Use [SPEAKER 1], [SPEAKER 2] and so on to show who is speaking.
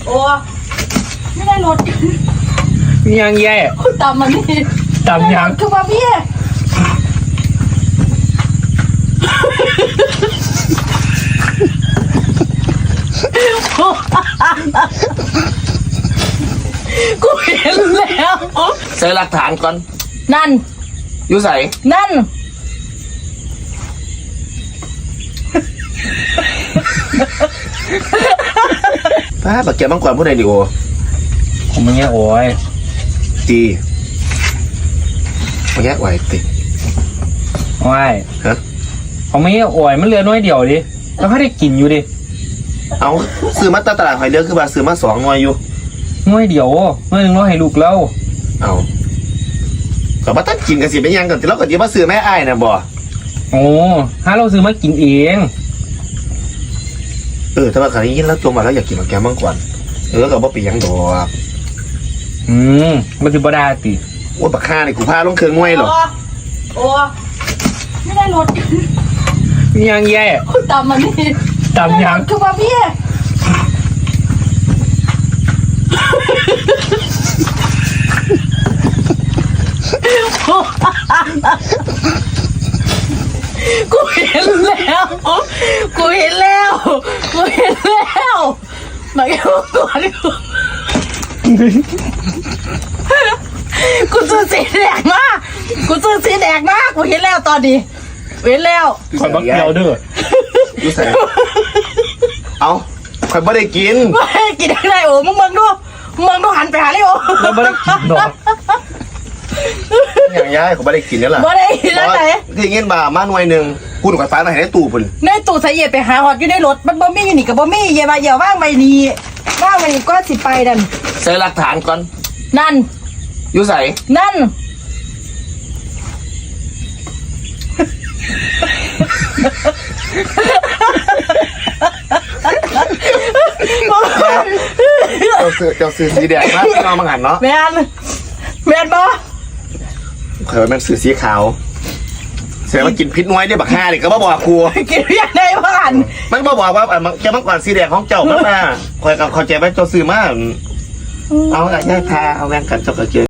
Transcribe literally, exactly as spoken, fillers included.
[SPEAKER 1] โอ้ไม่ได้รถ
[SPEAKER 2] ยังแย่
[SPEAKER 1] คุณตำมันนี่
[SPEAKER 2] ตำยัง
[SPEAKER 1] คือมาพี่กูเห็นแล้ว
[SPEAKER 3] ใส่หลักฐานก่อน
[SPEAKER 1] นั่น
[SPEAKER 3] อยู่ใส่
[SPEAKER 1] นั่น
[SPEAKER 3] ป้าบักแกมังกรผู้ใดดิโอ
[SPEAKER 2] ผมมันแย่โอ้ย
[SPEAKER 3] จีมันแยกไหวติ
[SPEAKER 2] ว้าย
[SPEAKER 3] ฮะ
[SPEAKER 2] ผมไม่แย่โอ้ยมันเหลือน้อยเดียวดิแล้วเขาได้กินอยู่ดิ
[SPEAKER 3] เอาซื้อมาตลาดหอยเลือกคือว่าซื้อมาสองหน่วยอยู่
[SPEAKER 2] น้อยเดียวน้อยหนึ่งร้อยให้ลูกเรา
[SPEAKER 3] เอาก็มาตั้งกินกันสิเป็นยังกันแต่เราก็จะมาซื้อแม่อ้ายนะบ่
[SPEAKER 2] โอ้ถ้าเราซื้อมากินเอง
[SPEAKER 3] เออถ้าว่าคราวนี้ยินแล้วจมมาแล้วอยากกินบักแกมังกรเออก็บ่ไปยังดอก
[SPEAKER 2] อืมมันคือบดาติ
[SPEAKER 3] โอ้ยบักฆ่านี่กูพาลงเครื่องงวยหรอก
[SPEAKER 1] โอ้ไม่ได้รถ
[SPEAKER 2] ยังแย่
[SPEAKER 1] คุณตำมันนี่
[SPEAKER 2] ตำยัง
[SPEAKER 1] คือมาพี่กูเห็นแล้วกูเห็นแล้วกูเห็นแล้วมาแก้วก่อนกูซื้อสีแดงมากกูซื้อสีแดงมากกูเห็นแล้วตอนนี้เห็นแล้ว
[SPEAKER 2] คอยบักเดียวเด้อ
[SPEAKER 3] อยู่ใส่เอาข่อยบ่ได้กิน
[SPEAKER 1] ไม่กินอะไรโอ้มึงมึงดูมึงดูหันไปหาเลยโอ้
[SPEAKER 2] เราไม่ได้กินดอก
[SPEAKER 3] อย่างย้ายข่อยบ่ได้กินนี่ล่ะ
[SPEAKER 1] บ่ได้กินแล้วไหน
[SPEAKER 3] ที่เงี้ยบ่ามาหน่วยหนึงกูถูกไฟฟ้ามาให้ในตู้พุ่น
[SPEAKER 1] ในตู้ใส่เย็ดไปหาหอดอยู่ในรถมันบ่มีอยู่นี่กับบ่มีเย่มาเย่าว่างไปนี่ว่างไปนี่ก็สิไปนั่น
[SPEAKER 3] ใส่หลักฐานก่อน
[SPEAKER 1] นั่น
[SPEAKER 3] อยู่ใส่
[SPEAKER 1] นั่น
[SPEAKER 3] เจ้าซื้อเจ้าซื้อสีแดงมาพี่น้องมังหันเนาะ
[SPEAKER 1] แมนแมนบ่
[SPEAKER 3] เคยว่ามันซื้อสีขาวเสียมากินพิษน้อยได้บักห้าดิก็บ่บอกครู
[SPEAKER 1] กินเรียกได้บ่หัน
[SPEAKER 3] มันบ่บอกว่าอ่ะมันแกมังกรสีแดงของเจ้ามันมาคอยกับเขาใจว่าเจ้าซื้อมาเอาอะย่าทาเอาแรงกันเจ้าก็เจอ